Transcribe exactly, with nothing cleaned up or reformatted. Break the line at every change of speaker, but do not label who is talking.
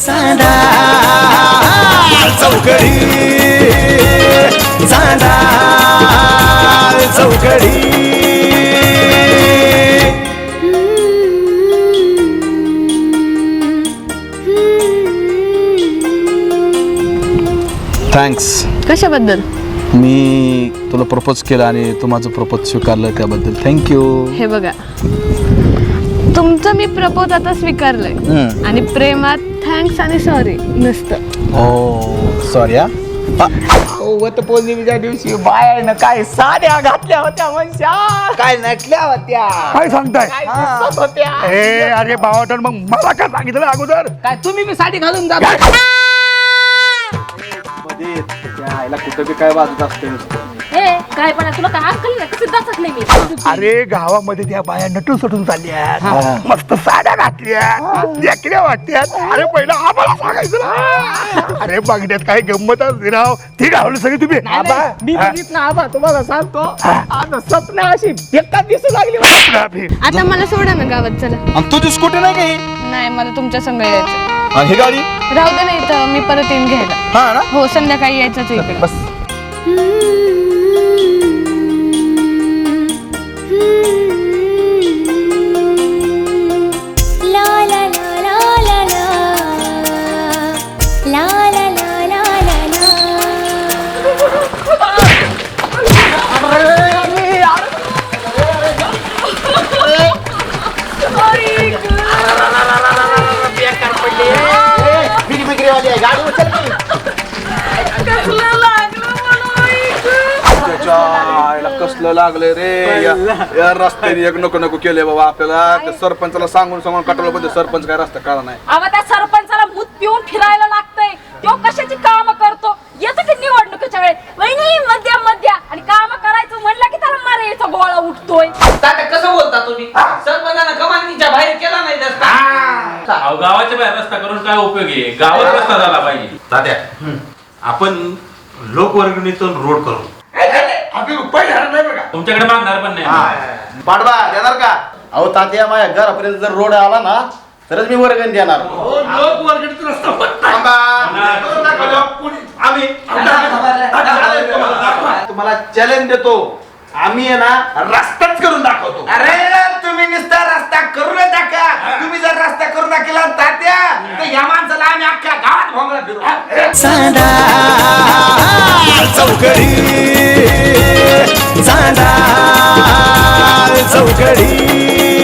चांदा चौकडी चांदा चौकडी.
थँक्स.
कशाबद्दल?
मी तुला प्रपोज केलं आणि तू माझं प्रपोज स्वीकारलं त्याबद्दल थँक्यू.
हे बघा, तुमचं मी प्रपोज आता स्वीकारलंय आणि प्रेमात थँक्स आणि सॉरी नसतं.
हो सॉरी.
वत पौर्णिमेच्या दिवशी बायानं काय साड्या घातल्या होत्या मनशा, काय नटल्या होत्या,
काय सांगताय?
काय दिसत होत्या.
ए अरे बावटन, मग मला काय सांगितलं अगोदर?
काय तुम्ही बी साडी घालून जा.
मध्ये आईला कुठं बी काय वाजत असते नुसतं.
काय पण तुला काय अक्कल नाही कशी दाचकले मी.
अरे गावामध्ये त्या बाया नटून सटून चालल्या, मस्त साड्या घातल्या, देखल्या वाटत्यात. अरे पहिला आम्हाला सांगायचं ना. अरे बघण्यात काही गंमत असते राव, ती घालवली सगळी तुम्ही.
मी बघितलं आबा, तुम्हाला सांगतो आता स्वप्न अशी बेकार दिसू लागली.
आता मला सोडा ना गावात, चला.
आणि तुझी स्कूटी नाही काही?
नाही, मला तुमच्या संग यायचं.
आणि ही गाडी
राहू दे, नाही तर मी परत येईन घ्यायला.
हा ना.
हो, संध्याकाळी यायचंच इकडे.
बस. कसलं लागलंय रे या रस्त्याने एक नको नको केले बाबा आपल्याला. त्या सरपंचाला सांगून सांगून कटवलं पण सरपंच काय रस्ता कळला नाही.
अहो त्या सरपंचाला मूत पिऊन फिरायला लागतंय. तो कशाची काम करतो येतो की निवडणुकीच्या वेळेस वहिनी मध्या मध्या आणि काम करायचं म्हणलं की त्याला मारायचा गोळा उठतोय.
तात्या कसं बोलता तुम्ही? सरपंचानं कमानीच्या बाहेर केला नाही रस्ता.
अहो गावाच्या बाहेर रस्ता करून काय उपयोग आहे? गावात रस्ता झाला पाहिजे.
तात्या आपण लोकवर्गणीतून रोड करू.
तुमच्याकडे मागणार पण नाही.
पाडवा देणार का? अहो तात्या माझ्या घरापर्यंत जर रोड आला ना तरच मी वर्गण देणार. तुम्हाला चॅलेंज देतो, आम्ही आहे ना रस्ताच करून दाखवतो.
अरे तुम्ही नुसता रस्ता करून टाका. तुम्ही जर रस्ता करून टाकला तात्या तर या माणसाला आम्ही अख्ख्या गावात भोंगळा फिरू.
चांदा चौकडी चांदा चौकडी.